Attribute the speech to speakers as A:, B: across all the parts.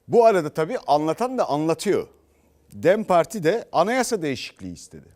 A: Bu arada tabii anlatan da anlatıyor. DEM Parti de anayasa değişikliği istedi.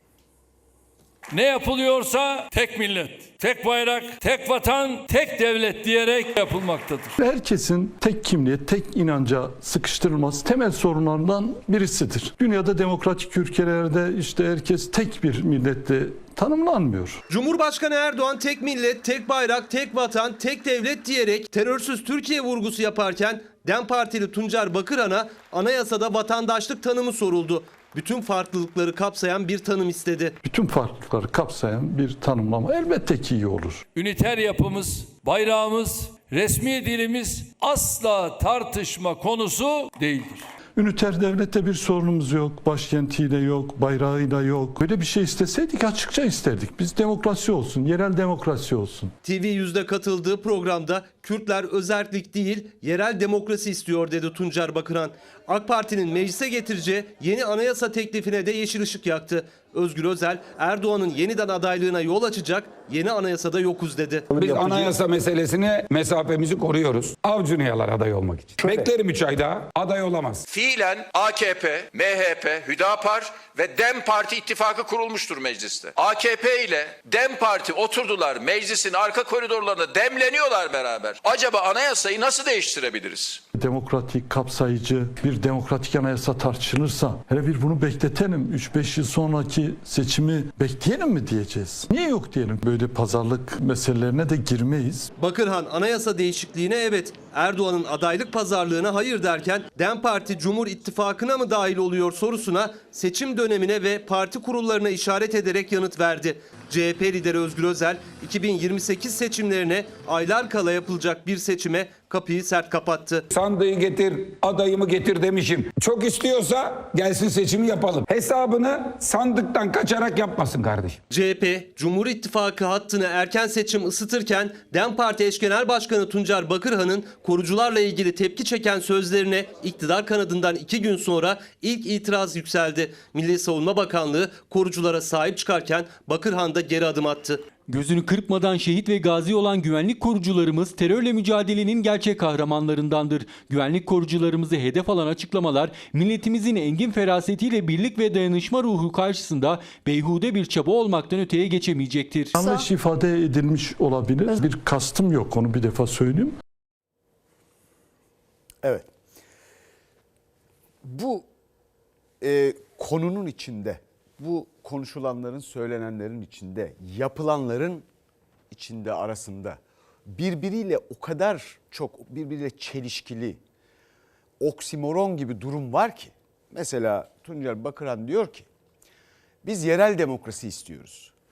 B: Ne yapılıyorsa tek millet, tek bayrak, tek vatan, tek devlet diyerek yapılmaktadır.
C: Herkesin tek kimliğe, tek inanca sıkıştırılması temel sorunlardan birisidir. Dünyada demokratik ülkelerde işte herkes tek bir millette tanımlanmıyor.
D: Cumhurbaşkanı Erdoğan tek millet, tek bayrak, tek vatan, tek devlet diyerek terörsüz Türkiye vurgusu yaparken DEM Partili Tuncer Bakırhan'a anayasada vatandaşlık tanımı soruldu. Bütün farklılıkları kapsayan bir tanım istedi.
C: Bütün farklılıkları kapsayan bir tanımlama elbette ki iyi olur.
B: Üniter yapımız, bayrağımız, resmi dilimiz asla tartışma konusu değildir.
C: Üniter devlette bir sorunumuz yok, başkentiyle yok, bayrağıyla yok. Böyle bir şey isteseydik açıkça isterdik. Biz demokrasi olsun, yerel demokrasi olsun.
D: TV100'de katıldığı programda Kürtler özerklik değil, yerel demokrasi istiyor dedi Tuncer Bakırhan. AK Parti'nin meclise getireceği yeni anayasa teklifine de yeşil ışık yaktı. Özgür Özel, Erdoğan'ın yeniden adaylığına yol açacak yeni anayasada yokuz dedi.
E: Biz anayasa meselesine mesafemizi koruyoruz. Avcunu yalar aday olmak için. Beklerim 3 ay daha. Aday olamaz.
F: Fiilen AKP, MHP, Hüdapar ve DEM Parti ittifakı kurulmuştur mecliste. AKP ile DEM Parti oturdular meclisin arka koridorlarında demleniyorlar beraber. Acaba anayasayı nasıl değiştirebiliriz?
C: Demokratik, kapsayıcı bir demokratik anayasa tartışılırsa hele bir bunu bekletelim. 3-5 yıl sonraki seçimi bekleyelim mi diyeceğiz? Niye yok diyelim? Böyle pazarlık meselelerine de girmeyiz.
D: Bakırhan anayasa değişikliğine evet, Erdoğan'ın adaylık pazarlığına hayır derken DEM Parti Cumhur İttifakı'na mı dahil oluyor sorusuna seçim dönemine ve parti kurullarına işaret ederek yanıt verdi. CHP lideri Özgür Özel 2028 seçimlerine aylar kala yapılacak bir seçime kapıyı sert kapattı.
E: Sandığı getir, adayımı getir demişim. Çok istiyorsa gelsin seçimi yapalım. Hesabını sandıktan kaçarak yapmasın kardeşim.
D: CHP, Cumhur İttifakı hattını erken seçim ısıtırken DEM Parti eş genel başkanı Tuncer Bakırhan'ın korucularla ilgili tepki çeken sözlerine iktidar kanadından 2 gün sonra ilk itiraz yükseldi. Milli Savunma Bakanlığı koruculara sahip çıkarken Bakırhan da geri adım attı.
G: Gözünü kırpmadan şehit ve gazi olan güvenlik korucularımız terörle mücadelenin gerçek kahramanlarındandır. Güvenlik korucularımızı hedef alan açıklamalar milletimizin engin ferasetiyle birlik ve dayanışma ruhu karşısında beyhude bir çaba olmaktan öteye geçemeyecektir.
C: Yanlış ifade edilmiş olabilir. Bir kastım yok, onu bir defa söyleyeyim.
A: Evet. Bu konunun içinde, bu konuşulanların, söylenenlerin içinde, yapılanların içinde arasında birbiriyle o kadar çok birbiriyle çelişkili, oksimoron gibi durum var ki. Mesela Tuncer Bakırhan diyor ki biz yerel demokrasi istiyoruz.